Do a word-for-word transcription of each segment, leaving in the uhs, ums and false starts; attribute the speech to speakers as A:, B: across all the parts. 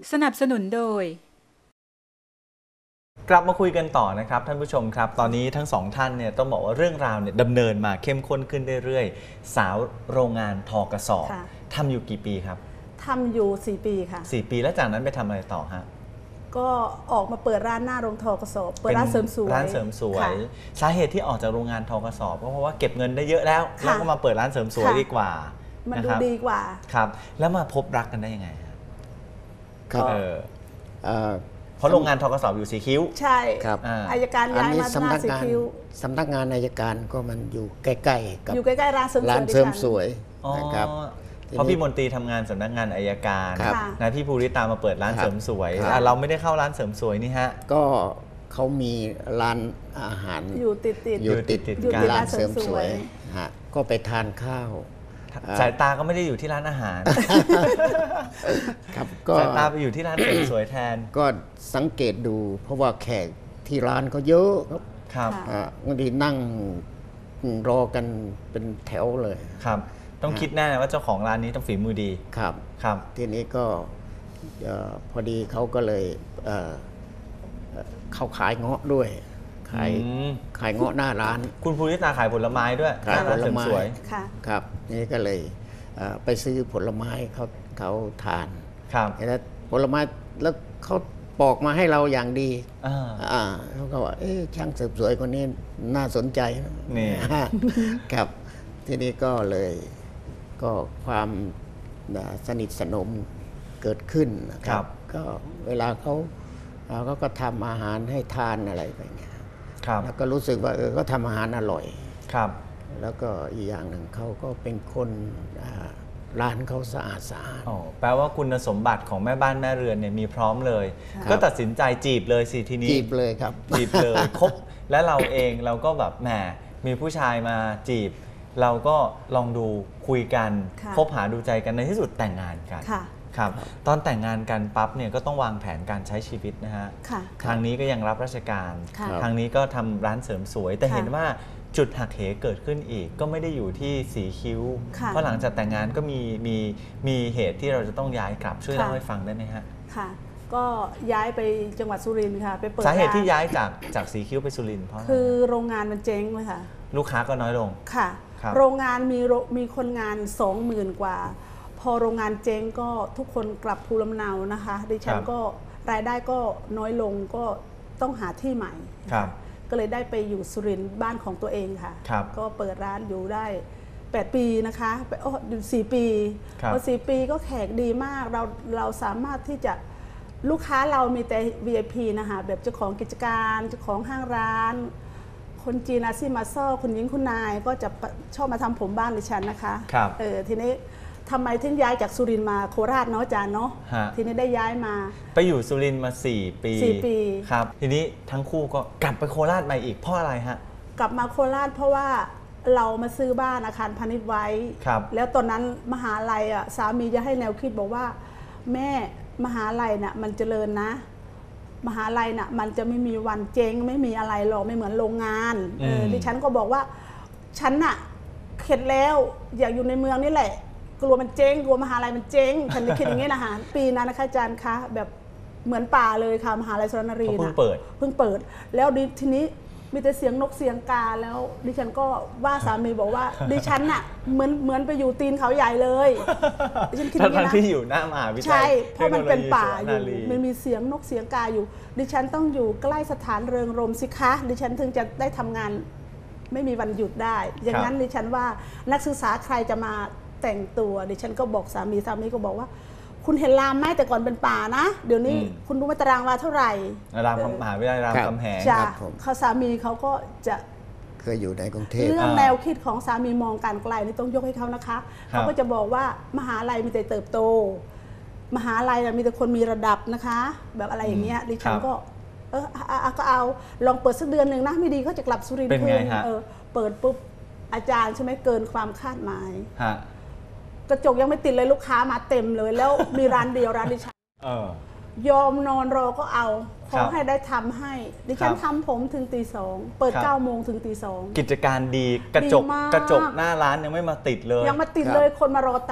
A: สนับสนุนโดย
B: กลับมาคุยกันต่อนะครับท่านผู้ชมครับตอนนี้ทั้งสองท่านเนี่ยต้องบอกว่าเรื่องราวเนี่ยดำเนินมาเข้มข้นขึ้นเรื่อยๆสาวโรงงานทอกระสอบทำอยู่กี่ปีครับ
C: ทำอยู่สี่ปีค่ะ
B: สี่ปีแล้วจากนั้นไปทำอะไรต่อฮะ
C: ก็ออกมาเปิดร้านหน้าโรงทอกระสอบเปิดร้านเสริมสวย
B: ร้านเสริมสวยสาเหตุที่ออกจากโรงงานทอกระสอบก็เพราะว่าเก็บเงินได้เยอะแล้วแล้วก็มาเปิดร้านเสริมสวยดีกว่า
C: มันดูดีกว่า
B: ครับแล้วมาพบรักกันได้ยังไง
D: ครับ
B: เพราะโรงงานทกส.อยู่สีคิ้ว
C: ใช่
D: ครับ
C: อัยการย้ายมาหน้าสีคิ้ว
D: สำนักงานอัยการก็มันอยู่ใกล้ๆกับ
C: อยู่ใกล้ๆร้านเสริมสวย
D: ร้านเสริมสวยนะครับ
B: เพราะพี่มนตรีทำงานสำนักงานอัยการนะพี่ภูริตามาเปิดร้านเสริมสวยเราไม่ได้เข้าร้านเสริมสวยนี่ฮะ
D: ก็เขามีร้านอาหาร
C: อยู่ติดติด
D: อยู่ติดติดกับร้านเสริมสวยฮะก็ไปทานข้าว
B: สายตาก็ไม่ได้อยู่ที่ร้านอาหาร
D: ครับก็
B: สายตาไปอยู่ที่ร้านเสริมสวยแทน
D: ก็สังเกตดูเพราะว่าแขกที่ร้านเขาเยอะ
B: ครับ
D: บางทีนั่งรอกันเป็นแถวเลย
B: ครับต้องคิดแน่ว่าเจ้าของร้านนี้ต้องฝีมือดี
D: ครับ
B: ครับ
D: ทีนี้ก็พอดีเขาก็เลยเขาขายเงาะด้วยขายขายเงาะหน้าร้าน
B: คุณภูริตาขายผลไม้ด้วย
D: ขายผลไม้
C: ครับ
D: นี่ก็เลยไปซื้อผลไม้เขาเขาทาน
B: ครับ
D: แล้วผลไม้แล้วเขาปอกมาให้เราอย่างดีอ่าเขาก็ว่าเอ๊ะช่างเสริมสวยคนนี้น่าสนใจ
B: นี่
D: ครับทีนี้ก็เลยก็ความสนิทสนมเกิดขึ้นนะครับก็เวลาเขาเขาก็ทำอาหารให้ทานอะไรไปเงี้ยแล้วก็รู้สึกว่าเออก็ทำอาหารอร่อย
B: ครับ
D: แล้วก็อีกอย่างหนึ่งเขาก็เป็นคนร้านเขาสะอาดสะอาด
B: อ๋อแปลว่าคุณสมบัติของแม่บ้านแม่เรือนเนี่ยมีพร้อมเลยก็ตัดสินใจจีบเลยสิทีนี้
D: จีบเลยครับ
B: จีบเลยคบและเราเองเราก็แบบแหมมีผู้ชายมาจีบเราก็ลองดูคุยกันคบหาดูใจกันในที่สุดแต่งงานกันครับตอนแต่งงานกันปั๊บเนี่ยก็ต้องวางแผนการใช้ชีวิตนะฮะทางนี้ก็ยังรับราชการทางนี้ก็ทำร้านเสริมสวยแต่เห็นว่าจุดหักเหเกิดขึ้นอีกก็ไม่ได้อยู่ที่สีคิ้วเพราะหลังจากแต่งงานก็มีมีมีเหตุที่เราจะต้องย้ายกลับช่วยเล่าให้ฟังได้ไหมฮะ
C: ค่ะก็ย้ายไปจังหวัดสุรินทร์ค่ะไปเปิด
B: สาเหตุที่ย้ายจากจากสีคิ้วไปสุรินทร์เพราะ
C: คือโรงงานมันเจ๊งเลยค่ะ
B: ลูกค้าก็น้อยลง
C: ค่ะโรงงานมีมีคนงานสองหมื่นกว่าพอโรงงานเจ๊งก็ทุกคนกลับภูมิลำเนานะคะดิฉันก็รายได้ก็น้อยลงก็ต้องหาที่ใหม่ก็เลยได้ไปอยู่สุรินทร์บ้านของตัวเองค่ะก็เปิดร้านอยู่ได้แปดปีนะคะโอ้อยู่สี่ปีพอสี่ปีก็แขกดีมากเราเราสามารถที่จะลูกค้าเรามีแต่ วี ไอ พี นะคะแบบเจ้าของกิจการเจ้าของห้างร้านคนจีนอาซีมาซ่อคุณหญิงคุณนายก็จะชอบมาทำผมบ้านดิฉันนะคะเออทีนี้ทำไมถึงย้ายจากสุรินทร์มาโคราชเนาะอาจารย์เนาะทีนี้ได้ย้ายมา
B: ไปอยู่สุรินทร์มาสี่ปี
C: สี่ปี
B: ครับทีนี้ทั้งคู่ก็กลับไปโคราชใหม่อีกเพราะอะไรฮะ
C: กลับมาโคราชเพราะว่าเรามาซื้อบ้านอาคารพาณิชย์ไว้แล้วตอนนั้นมหาลัยอ่ะสามีจะให้แนวคิดบอกว่าแม่มหาลัยน่ะมันเจริญนะมหาลัยน่ะมันจะไม่มีวันเจ๊งไม่มีอะไรหรอกไม่เหมือนโรงงานเออดิฉันก็บอกว่าฉันน่ะเข็ดแล้วอยากอยู่ในเมืองนี่แหละกลัวมันเจ๊งกลัวมหาลัยมันเจ๊งฉันคิดอย่างนี้นะคะปีนั้นนะคะอาจารย์คะแบบเหมือนป่าเลยค่ะมหาลัยสุรนารี
B: นะเพิ่งเปิด
C: เพิ่งเปิดแล้วทีนี้มีแต่เสียงนกเสียงกาแล้วดิฉันก็ว่าสามีบอกว่าดิฉันน่ะเหมือนเหมือนไปอยู่ตีนเขาใหญ่เลย
B: ดิฉันคิดอย่างนี้นะที่อยู่หน้ามหาวิทยาลัย
C: ใช่เพราะมันเป็นป่าอยู่มันมีเสียงนกเสียงกาอยู่ดิฉันต้องอยู่ใกล้สถานเริงรมย์สิคะดิฉันถึงจะได้ทำงานไม่มีวันหยุดได้อย่างนั้นดิฉันว่านักศึกษาใครจะมาแต่งตัวดิฉันก็บอกสามีสามีก็บอกว่าคุณเห็นรามไหมแต่ก่อนเป็นป่านะเดี๋ยวนี้คุณรู้ว่าตารางวาเท่าไหร่
B: รามมหาวิทยาลัยรามคำแหง
C: จ้ะเขาสามีเขาก็จะ
D: เคยอยู่ในกรุงเทพ
C: เรื่องแนวคิดของสามีมองการไกลนี่ต้องยกให้เขานะคะเขาก็จะบอกว่ามหาลัยมีแต่เติบโตมหาลัยมีแต่คนมีระดับนะคะแบบอะไรอย่างเงี้ยดิฉันก็เออก็เอาลองเปิดสักเดือนหนึ่งนะไม่ดีเขาจะกลับสุรินทร์คืนเออเปิดปุ๊บอาจารย์ใช่ไหมเกินความคาดหมายกระจกยังไม่ติดเลยลูกค้ามาเต็มเลยแล้วมีร้านเดียวร้านดิฉันยอมนอนรอก็เอาขอให้ได้ทำให้ดิฉันทำผมถึงตีสองเปิดเก้าโมงถึงตีสอง
B: กิจการดีกระจกกระจกหน้าร้านยังไม่มาติดเลย
C: ยังมาติดเลยคนมารอตัด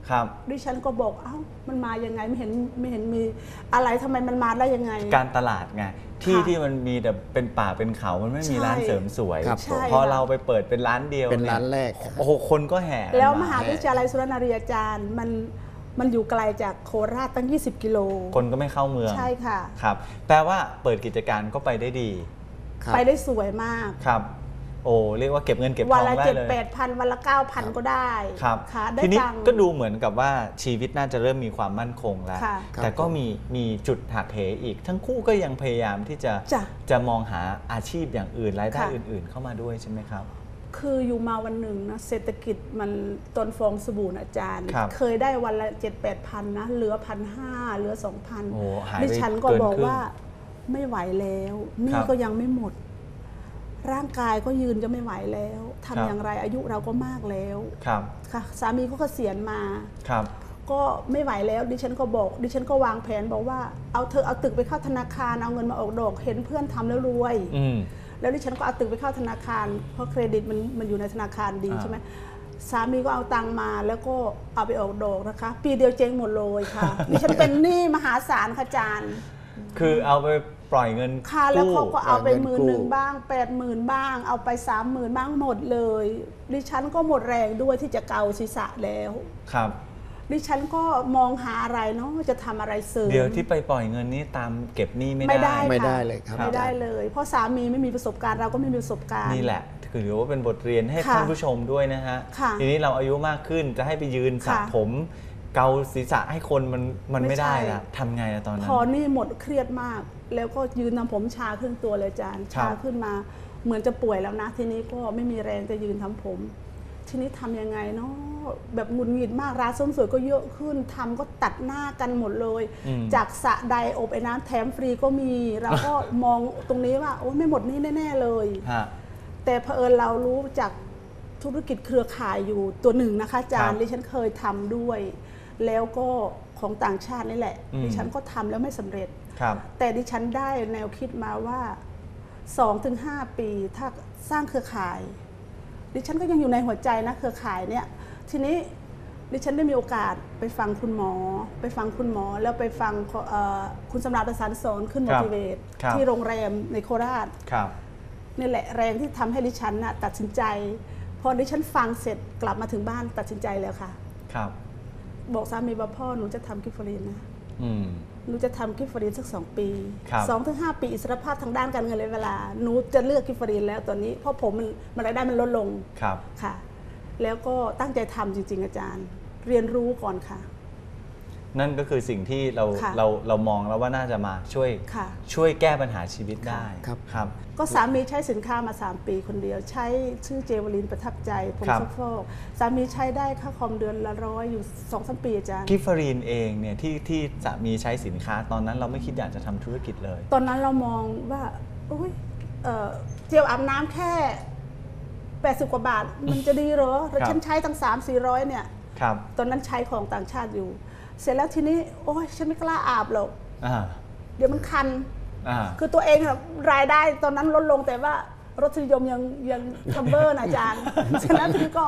B: ครับ
C: ดิฉันก็บอกเอ้ามันมายังไงไม่เห็นไม่เห็นมีอะไรทำไมมันมาได้ยังไง
B: การตลาดไงที่ที่มันมีแต่เป็นป่าเป็นเขามันไม่มีร้านเสริมสวยพอเราไปเปิดเป็นร้านเดียว
D: เป็นร้านแรก
B: โอ้โหคนก็แห่
C: แล้วมหาวิทยาลัยสุรนารีอาจารย์มันมันอยู่ไกลจากโคราชตั้งยี่สิบกิโล
B: คนก็ไม่เข้าเมือง
C: ใช่ค่ะ
B: ครับแปลว่าเปิดกิจการก็ไปได้ดี
C: ไปได้สวยมาก
B: ครับโอ้เรียกว่าเก็บเงินเก็บทองได้เลยวันละ
C: เจ็ดแปดพันวันละเก้าพันก็ได้
B: ครับทีนี้ก็ดูเหมือนกับว่าชีวิตน่าจะเริ่มมีความมั่นคงแล้วแต่ก็มีมีจุดหักเหอีกทั้งคู่ก็ยังพยายามที่จะจะมองหาอาชีพอย่างอื่นรายได้อื่นๆเข้ามาด้วยใช่ไหมครับ
C: คืออยู่มาวันหนึ่งนะเศรษฐกิจมันต้นฟองสบู่อาจารย์เคยได้วันละเจ็ดแปดพันนะเหลือพันห้าเหลือสองพันดิฉันก็บอกว่าไม่ไหวแล้วนี่ก็ยังไม่หมดร่างกายก็ยืนจะไม่ไหวแล้วทำอย่างไรอายุเราก็มากแล้ว
B: ครับ
C: ค่ะสามีก็เกษียณมา
B: ครับ
C: ก็ไม่ไหวแล้วดิฉันก็บอกดิฉันก็วางแผนบอกว่าเอาเธอเอาตึกไปเข้าธนาคารเอาเงินมาออกดอกเห็นเพื่อนทำแล้วรวยแล้วดิฉันก็เอาตึกไปเข้าธนาคารเพราะเครดิตมันมันอยู่ในธนาคารดีใช่ไหมสามีก็เอาตังมาแล้วก็เอาไปออกดอกนะคะปีเดียวเจ๊งหมดเลยค่ะดิฉันเป็นหนี้มหาศาลค่ะอาจารย์
B: คือเอาไปปล่อยเงิน
C: ค่ะแล้วเขาก็เอาไปหมื่นหนึ่งบ้างแปดหมื่นบ้างเอาไปสามหมื่นบ้างหมดเลยดิฉันก็หมดแรงด้วยที่จะเกาศีรษะแล้ว
B: ครับ
C: ดิฉันก็มองหาอะไรเนาะจะทำอะไรเสริม
B: เดี๋ยวที่ไปปล่อยเงินนี้ตามเก็บหนี้ไม่ได้
D: ไม่ได้เลยครับ
C: ไม่ได้เลยเพราะสามีไม่มีประสบการณ์เราก็ไม่มีประสบการณ์
B: นี่แหละถือว่าเป็นบทเรียนให้ท่านผู้ชมด้วยนะฮะทีนี้เราอายุมากขึ้นจะให้ไปยืนสระผมเกาศีรษะให้คนมันมันไม่ได้ละทำไงอะตอนนั้น
C: พอนี่หมดเครียดมากแล้วก็ยืนทำผมชาขึ้นตัวเลยอาจารย์ชาขึ้นมาเหมือนจะป่วยแล้วนะทีนี้ก็ไม่มีแรงจะยืนทำผมทีนี้ทำยังไงเนาะแบบหงุดหงิดมากร้านเสริมสวยก็เยอะขึ้นทำก็ตัดหน้ากันหมดเลยจากสระใดอบไอ้น้ำแถมฟรีก็มีเราก็มองตรงนี้ว่าโอ้ไม่หมดนี่แน่ๆเลยแต่เผอิญเรารู้จากธุรกิจเครือข่ายอยู่ตัวหนึ่งนะคะอาจารย์ดิฉันเคยทำด้วยแล้วก็ของต่างชาตินี่แหละดิฉันก็ทำแล้วไม่สำเร็จแต่ดิฉันได้แนวคิดมาว่า สองถึงห้า ปีถ้าสร้างเครือข่ายดิฉันก็ยังอยู่ในหัวใจนะเครือข่ายเนี่ยทีนี้ดิฉันได้มีโอกาสไปฟังคุณหมอไปฟังคุณหมอแล้วไปฟังคุณสำราญประสานสอนขึ้น motivate ที่โรงแรมในโคราชนี่แหละแรงที่ทำให้ดิฉันน่ะตัดสินใจพอดิฉันฟังเสร็จกลับมาถึงบ้านตัดสินใจแล้วค่ะ
B: ครับ
C: บอกสามีว่าพ่อหนูจะทำกิฟฟรีนนะหนูจะทำกิฟฟรีนสักสองปีสองถึงห้าปีอิสรภาพทางด้านการเงินเลยเวลาหนูจะเลือกกิฟฟรีนแล้วตอนนี้เพราะผมมันมันรายได้มันลดลง
B: ครับ
C: ค่ะแล้วก็ตั้งใจทำจริงๆอาจารย์เรียนรู้ก่อนค่ะ
B: นั่นก็คือสิ่งที่เราเราเรามองแล้วว่าน่าจะมาช่วยช่วยแก้ปัญหาชีวิตได้
D: ครับ
B: ครับ
C: ก็สามีใช้สินค้ามาสามปีคนเดียวใช้ชื่อเจวลินประทับใจผมซักฟอกสามีใช้ได้ค่าคอมเดือนละร้อยอยู่สองสามปีอาจารย์
B: กิฟฟรีนเองเนี่ยที่ที่สามีใช้สินค้าตอนนั้นเราไม่คิดอยากจะทำธุรกิจเลย
C: ตอนนั้นเรามองว่าโอ้ยเจลอาบน้ำแค่แปดสิบกว่าบาทมันจะดีเหรอแต่ฉันใช้ตั้งสามสี่ร้อยเนี่ยตอนนั้นใช้ของต่างชาติอยู่เสร็จแล้วทีนี้โอ้ยฉันไม่กล้าอาบหรอกเดี๋ยวมันคันคือตัวเองรายได้ตอนนั้นลดลงแต่ว่ารสนิยมยังยังคัมเบอร์นะอาจารย์ฉะนั้นทีนี้ก็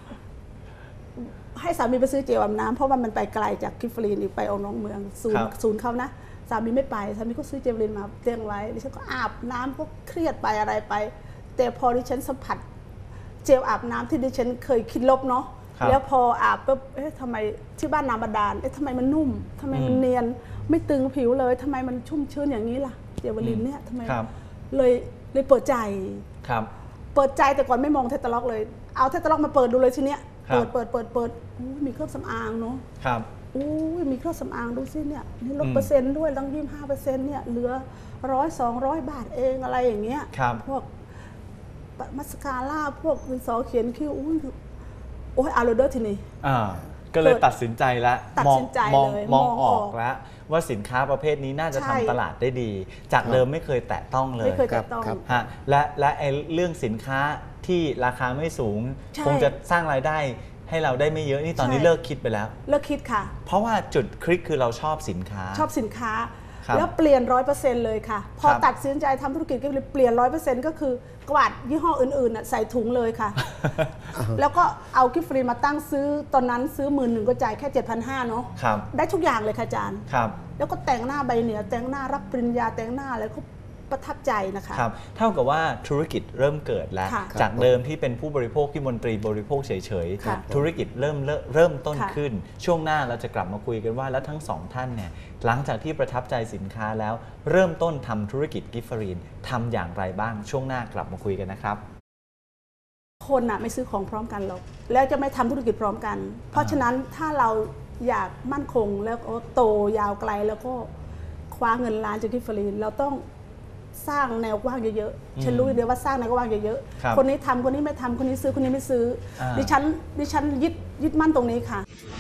C: ให้สามีไปซื้อเจลอาบน้ำเพราะว่ามันไปไกลจากกิฟฟรีนอีกไปออกน้องเมืองศูนย์ศูนย์เขานะสามีไม่ไปสามีก็ซื้อเจลลินมาเตรียมไว้ดิฉันก็อาบน้ำก็เครียดไปอะไรไปแต่พอดิฉันสัมผัสเจลอาบน้ำที่ดิฉันเคยคิดลบเนาะแล้วพออาบปุ๊บเอ๊ะทำไมที่บ้านน้ำบาดาลเอ๊ะทำไมมันนุ่มทำไมมันเนียนไม่ตึงผิวเลยทำไมมันชุ่มชื้นอย่างนี้ล่ะเจลลินเนี่ยทำไมเลยเลยเปิดใจ
B: ครับ
C: เปิดใจแต่ก่อนไม่มองเทตล็อกเลยเอาเทตล็อกมาเปิดดูเลยทีเนี้ยเปิดเปิดเปิดเปิดมีเครื่องสำอางเนาะ
B: ครับ
C: อู้มีเครื่องสำอางดูสิเนี่ยนี่ลดเปอร์เซ็นต์ด้วยตั้งยี่สิบห้าเปอร์เซ็นต์เนี่ยเหลือร้อยสองร้อยบาทเองอะไรอย่างเงี้ยพวกมัสคาร่าพวกดินสอเขียนคิ้วอุ้ยโอ้ยอาร์โรเดอร์ทีนี้
B: อ่าก็เลยตัดสินใจแล้วมองมองมองออกแล้วว่าสินค้าประเภทนี้น่าจะทำตลาดได้ดีจากเดิมไม่เคยแตะต้องเลย
C: ไม่เคยแตะต้อง
B: ฮะและและไอ้เรื่องสินค้าที่ราคาไม่สูงคงจะสร้างรายได้ให้เราได้ไม่เยอะนี่ตอนนี้เลิกคิดไปแล้ว
C: เลิกคิดค่ะ
B: เพราะว่าจุดคลิกคือเราชอบสินค้า
C: ชอบสินค้าแล้วเปลี่ยนร้อยเปอร์เซ็นต์เลยค่ะพอตัดสินใจทำธุรกิจก็เลยเปลี่ยนร้อยเปอร์เซ็นต์ก็คือกวาดยี่ห้ออื่นๆใส่ถุงเลยค่ะ แล้วก็เอากิฟต์ฟรีมาตั้งซื้อตอนนั้นซื้อหมื่นหนึ่งก็จ่ายแค่เจ็ดพันห้าเนาะได้ทุกอย่างเลยค่ะอาจารย์แล้วก็แต่งหน้าใบเหนือแต่งหน้ารับปริญญาแต่งหน้าอะไรก็ประทับใจนะคะ
B: ครับเท่ากับว่าธุรกิจเริ่มเกิดแล้วจากเดิมที่เป็นผู้บริโภคที่มนตรีบริโภคเฉยๆธุรกิจเริ่มเริ่มต้นขึ้นช่วงหน้าเราจะกลับมาคุยกันว่าแล้วทั้งสองท่านเนี่ยหลังจากที่ประทับใจสินค้าแล้วเริ่มต้นทำธุรกิจกิฟฟรีนทำอย่างไรบ้างช่วงหน้ากลับมาคุยกันนะครับ
C: คนน่ะไม่ซื้อของพร้อมกันหรอกแล้วจะไม่ทำธุรกิจพร้อมกันเพราะฉะนั้นถ้าเราอยากมั่นคงแล้วก็โตยาวไกลแล้วก็คว้าเงินล้านจากกิฟฟรีนเราต้องสร้างแนวกว้างเยอะๆฉันรู้เดียวว่าสร้างแนวกว้างเยอะๆคนนี้ทำคนนี้ไม่ทำคนนี้ซื้อคนนี้ไม่ซื้อดิฉันดิฉันยึดยึดมั่นตรงนี้ค่ะ